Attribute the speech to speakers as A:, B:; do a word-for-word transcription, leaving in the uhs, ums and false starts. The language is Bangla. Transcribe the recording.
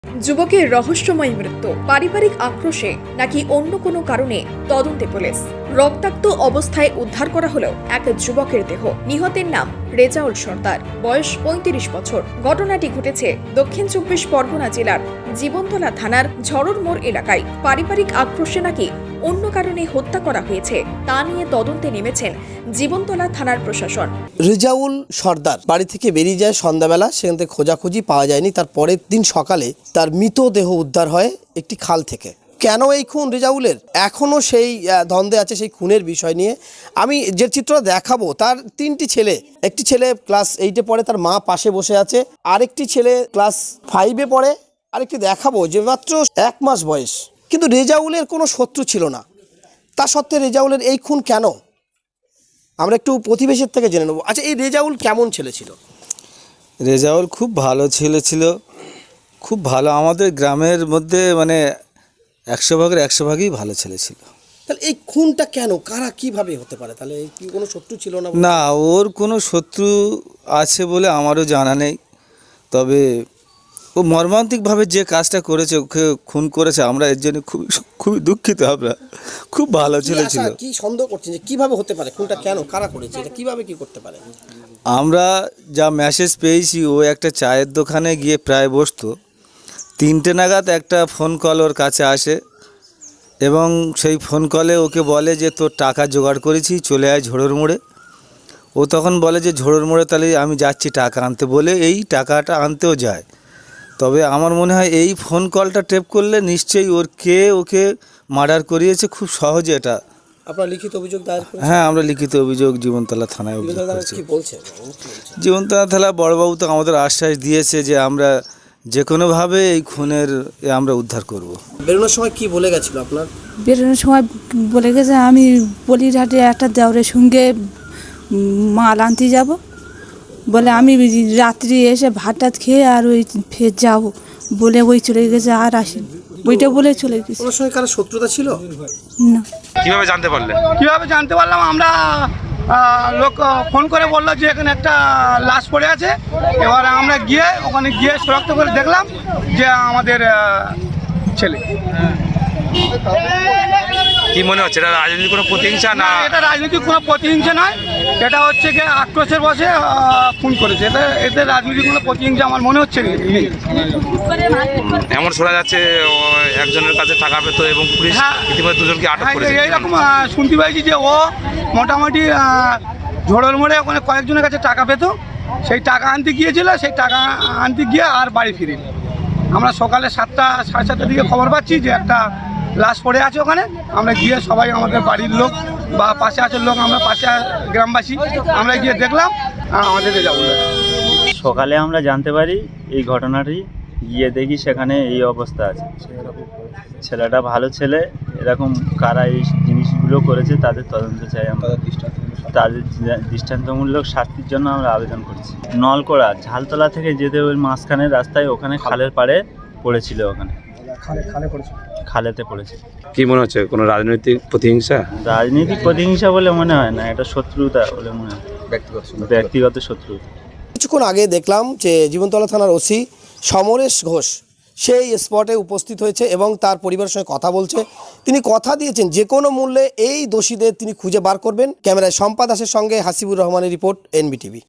A: যুবকের রহস্যময় মৃত্যু পারিবারিক আক্রোশে নাকি অন্য কোনো কারণে তদন্তে পুলিশ। রক্তাক্ত অবস্থায় উদ্ধার করা হলো এক যুবকের দেহ। নিহতের নাম রেজাউল সর্দার, বয়স পঁয়ত্রিশ বছর। ঘটনাটি ঘটেছে দক্ষিণ চব্বিশ পরগনা জেলার জীবনতলা থানার ঝড়র মোড় এলাকায়। পারিবারিক আক্রোশে নাকি অন্য কারণে হত্যা করা হয়েছে তা নিয়ে তদন্তে নেমেছেন জীবনতলা থানার প্রশাসন।
B: রেজাউল সর্দার বাড়ি থেকে বেরিয়ে যায় সন্ধ্যাবেলা, সেখান থেকে খোঁজাখুঁজি পাওয়া যায়নি। তার পরের দিন সকালে তার মৃতদেহ উদ্ধার হয় একটি খাল থেকে। কেন এই খুন রেজাউলের, এখনও সেই দ্বন্দ্বে আছে সেই খুনের বিষয় নিয়ে। আমি যে চিত্রটা দেখাবো, তার তিনটি ছেলে, একটি ছেলে ক্লাস এইটে পড়ে, তার মা পাশে বসে আছে। আরেকটি ছেলে ক্লাস ফাইভে পড়ে, আরেকটি দেখাবো যে মাত্র এক মাস বয়স। কিন্তু রেজাউলের কোনো শত্রু ছিল না, তা সত্ত্বে রেজাউলের এই খুন কেন, আমরা একটু প্রতিবেশীর থেকে জেনে নেব। আচ্ছা, এই রেজাউল কেমন ছেলে ছিল?
C: রেজাউল খুব ভালো ছেলে ছিল, খুব ভালো। আমাদের গ্রামের মধ্যে মানে একশো ভাগের একশো ভাগই ভালো ছেলে ছিল।
B: তাহলে এই খুনটা কেন, কারা কিভাবে হতে পারে? তাহলে কি কোনো শত্রু ছিল না?
C: না, ওর কোনো শত্রু আছে বলে আমারও জানা নেই। তবে ও মর্মান্তিকভাবে যে কাজটা করেছে, ওকে খুন করেছে, আমরা এর জন্য খুবই খুবই দুঃখিত। আমরা খুব ভালো ছেলে ছিল।
B: কি সন্দেহ করছেন যে কিভাবে হতে পারে খুনটা, কেন, কারা করেছে, এটা কিভাবে কি করতে পারে?
C: আমরা যা মেসেজ পেয়েছি, ও একটা চায়ের দোকানে গিয়ে প্রায় বসতো। তিনটে নাগাদ একটা ফোন কল ওর কাছে আসে এবং সেই ফোন কলে ওকে বলে যে তোর টাকা জোগাড় করেছি, চলে আয় ঝোড়োর মোড়ে। ও তখন বলে যে ঝোড়োর মোড়ে তাহলে আমি যাচ্ছি টাকা আনতে, বলে এই টাকাটা আনতেও যায়। তবে আমার মনে হয় এই ফোন কলটা টেপ করলে নিশ্চয়ই ওর কে ওকে মার্ডার করিয়েছে খুব সহজে। এটা
B: আপনারা লিখিত অভিযোগ দায়ের করেছেন?
C: হ্যাঁ, আমরা লিখিত অভিযোগ জীবনতলা থানায় অভিযোগ করেছি।
B: কি বলছেন
C: জীবনতলা থানা বড়বাবু তো আমাদের আশ্বাস দিয়েছে যে আমরা যে কোনোভাবে এই খুনের এ আমরা উদ্ধার করব।
B: বেরোনোর সময় কি বলে গেছিল আপনার?
D: বেরোনোর সময় বলে গেছে আমি বলিরহাটে একটা দেওরের সঙ্গে মাল আনতে যাব, বলে আমি রাত্রি এসে ভাত টাত খেয়ে আর ওই ফের যাবো বলে ওই চলে গেছে, আর আসেনি। ওইটা বলে চলে গেছে।
B: ওর সঙ্গে কারো শত্রুতা ছিল
D: না।
E: কিভাবে জানতে পারলে?
F: কীভাবে জানতে পারলাম, আমরা আহ, লোক ফোন করে বললো যে এখানে একটা লাশ পড়ে আছে। এবার আমরা গিয়ে ওখানে গিয়ে শনাক্ত করে দেখলাম যে আমাদের আহ, ছেলে।
E: কি মনে হচ্ছে, এটা রাজনীতির কোনো প্রতিহিংসা না?
F: না, এটা রাজনৈতিক কোনো প্রতিহিংসা নয়, এটা হচ্ছে কি আক্রোশের বসে আহ, খুন করেছে। এটা এতে রাজনৈতিক কোনো প্রতিহিংসা আমার মনে হচ্ছে নেই।
E: এমন শোনা যাচ্ছে ও একজনের কাছে টাকা পেত এবং পুলিশ
F: হ্যাঁ।
E: ইতিমধ্যে দুজনকে আটক
F: হ্যাঁ,
E: করেছে।
F: এইরকম আহ, শুনতে পাইছি যে ও মোটামুটি আহ, ঝোড়োর মোড়ে ওখানে কয়েকজনের কাছে টাকা পেত, সেই টাকা আনতে গিয়েছিল, সেই টাকা আনতে গিয়ে আর বাড়ি ফিরে। আমরা সকালে সাতটা সাড়ে সাতটার দিকে খবর পাচ্ছি যে একটা লাশ পড়ে আছে ওখানে। আমরা গিয়ে সবাই, আমাদের বাড়ির লোক বা পাশে আসার লোক, আমরা পাশে গ্রামবাসী, আমরা গিয়ে দেখলাম আমাদের রেজাউল।
G: সকালে আমরা জানতে পারি এই ঘটনাটি, গিয়ে দেখি সেখানে এই অবস্থা আছে। ছেলেটা ভালো ছেলে, এরকম কারা এই জিনিসগুলো করেছে তাদের তদন্ত চাই আমরা। তাদের দৃষ্টান্তমূলক শাস্তির জন্য আমরা আবেদন করছি। নলকোড়া ঝালতলা থেকে যেতে ওই মাঝখানের রাস্তায়, ওখানে খালের পাড়ে পড়েছিল, ওখানে খালেতে পড়েছে।
E: কি মনে হচ্ছে, কোনো রাজনৈতিক প্রতিহিংসা?
G: রাজনৈতিক প্রতিহিংসা বলে মনে হয় না, এটা শত্রুতা বলে মনে হয়, ব্যক্তিগত শত্রুতা।
B: কিছুক্ষণ আগে দেখলাম যে জীবনতলা থানার ওসি সমরেশ ঘোষ সেই স্পটে উপস্থিত হয়েছে এবং তার পরিবারের সঙ্গে কথা বলছে। তিনি কথা দিয়েছেন যে কোনো মূল্যে এই দোষীদের তিনি খুঁজে বার করবেন। ক্যামেরায় শম্পা দাসের সঙ্গে হাসিবুর রহমানের রিপোর্ট, এনবিটিভি।